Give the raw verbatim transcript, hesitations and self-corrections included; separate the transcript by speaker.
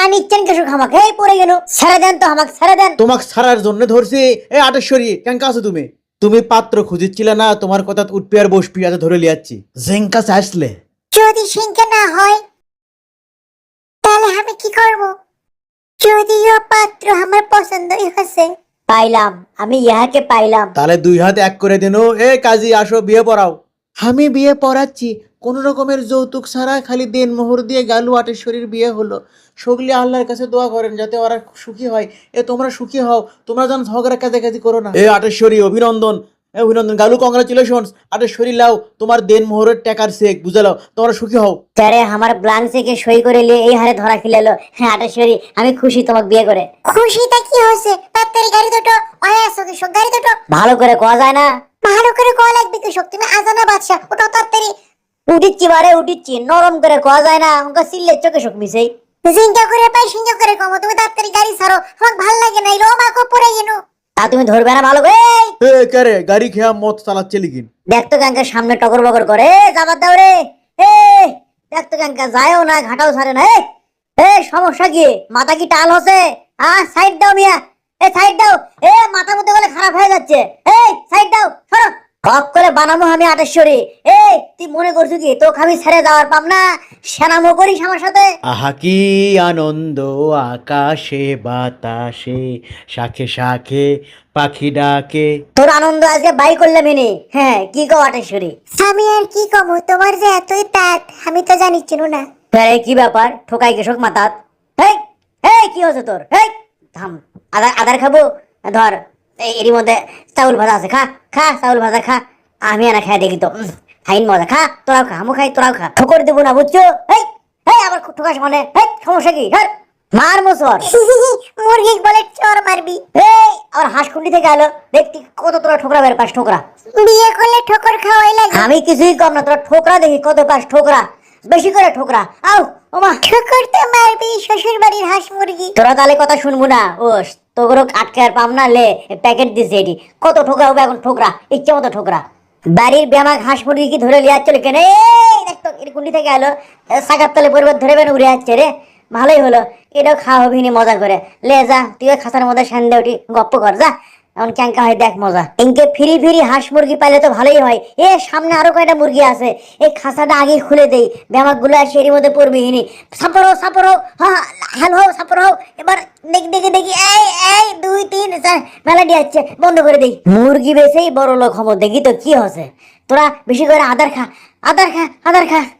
Speaker 1: নিচ্ছেন কেসু খামাক এই পড়ে গেল ছেড়ে দেন তো আমাকে ছেড়ে দেন
Speaker 2: তোমাক ছাড়ার জন্য ধরছি এ আটেশ্বরী কেন আছো তুমি তুমি পাত্র খুঁজিচ্ছিলে না তোমার কথা উঠপি আর বসপি আজ ধরে লিয়াচ্ছি জেঙ্কা আসলে
Speaker 1: যদি সিংকে না হয় তাহলে আমি কি করব যদিও পাত্র আমার পছন্দই হয়েছে পাইলাম আমি ইহাকে পাইলাম
Speaker 2: তাহলে দুই হাত এক করে দিন এ কাজী আসো বিয়ে পড়াও আমি বিয়ে পড়াচ্ছি কোন রকমের যৌতুক ছাড়া খালি দেন মোহর দিয়ে গালু আটেশ্বরীর বিয়ে হলো সগলি আল্লাহর কাছে দোয়া করেন যাতে ওরা সুখী হয় এ তোমরা সুখী হও তোমরা যেন ঝগড়া কাজাকাজি করো না এ আটেশ্বরী অভিনন্দন এ অভিনন্দন গালু কংগ্রাচুলেশন আটেশ্বরী লাও তোমার দেন মোহরের টাকার চেক বুঝালাও তোমরা সুখী হও
Speaker 1: তারে আমার ব্লাঙ্ক চেকে সই করে নিয়ে এই হারে ধরা খিলালো হ্যাঁ আটেশ্বরী আমি খুশি তোমাকে বিয়ে করে খুশিটা কি হয়েছে তাড়াতাড়ি গাড়ি দুটো আয় আসো কৃষক গাড়ি দুটো ভালো করে কোয়া যায় না ভালো করে কোয়া লাগবে কৃষক তুমি আজানা বাদশা ওটা তাড়াতাড়ি উঠিচ্ছি বারে উঠিচ্ছি নরম করে কোয়া যায় না ওকে সিল্লে চোখে শোক মিশাই জিঙ্কা করে পাই সিঙ্কা করে কমো তুমি তাড়াতাড়ি গাড়ি ছাড়ো আমার ভাল লাগে না রো মাকো পড়ে গেল তা তুমি ধরবে না ভালো করে
Speaker 2: এ কারে গাড়ি খেয়া মত চালাচ্ছে লিখিন
Speaker 1: দেখ তো কাঙ্কা সামনে টকর বকর করে যাবার দাও রে এ দেখ তো কাঙ্কা যায়ও না ঘাটাও ছাড়ে না এ সমস্যা কি মাথা কি টাল হচ্ছে হ্যাঁ সাইড দাও মিয়া এ সাইড দাও এ মাথা মতো গেলে খারাপ হয়ে যাচ্ছে এই সাইড দাও সরো হক করে বানাবো আমি আটেশ্বরী এই তুই মনে করছো কি তো আমি ছেড়ে যাওয়ার পাম না সেনামো করিস আমার সাথে
Speaker 2: আহা কি আনন্দ আকাশে বাতাসে শাখে শাখে পাখি ডাকে
Speaker 1: তোর আনন্দ আজকে বাই করলাম এনে হ্যাঁ কি কো আটেশ্বরী আমি আর কি কমো তোমার যে এতই তাত আমি তো জানি চিনো না আরে কি ব্যাপার ঠোকাই কেশক মাতাত এই এই কি হচ্ছে তোর এই থাম আদার আদার খাবো ধর এই এরই মধ্যে চাউল ভাজা আছে খা খা চাউল ভাজা খা আমি আর খাই দেখি তো হাইন মজা খা তোরাও খা আমু খাই তোরাও খা ঠোকর দেবো না বুঝছো এই এই আবার ঠোকাস মানে এই সমস্যা কি ধর মার মোসর মুরগি বলে চোর মারবি এই আর হাঁসকুন্ডি থেকে আলো দেখতি কত তোরা ঠোকরা বের পাস ঠোকরা বিয়ে করলে ঠোকর খাওয়াই লাগে আমি কিছুই কম না তোরা ঠোকরা দেখি কত পাস ঠোকরা বেশি করে ঠোকরা আও ওমা ঠোকর তো মারবি শ্বশুর বাড়ির হাঁস মুরগি তোরা তাহলে কথা শুনবো না ও তোগরো আটকে আর পাম না লে প্যাকেট দিছে এটি কত ঠোকরা হবে এখন ঠোকরা ইচ্ছে মতো ঠোকরা বাড়ির ব্যামাক হাঁস মুরগি কি ধরে লিয়ে চলে কেন এই দেখ তো এর কুন্ডি থেকে আলো সাগার তলে পরিবার ধরে বেন উড়ে যাচ্ছে রে ভালোই হলো এটাও খাওয়া হবি নি মজা করে লে যা তুই খাসার মধ্যে সন্ধ্যে উঠি গপ্প কর যা এখন ক্যাঙ্কা হয় দেখ মজা ইনকে ফিরি ফিরি হাঁস মুরগি পাইলে তো ভালোই হয় এ সামনে আরো কয়টা মুরগি আছে এই খাসাটা আগে খুলে দেই ব্যামাক গুলো আর সেরি মধ্যে পড়বি হিনি সাপরো সাপরো হ্যাঁ হ্যালো সাপরো এবার দেখি দেখি দেখি এই এই দুই তিন চার মেলাডি আসছে বন্ধ করে দেই মুরগি বেচেই বড় লোক হবো দেখি তো কি হচ্ছে তোরা বেশি করে আদার খা আদার খা আদার খা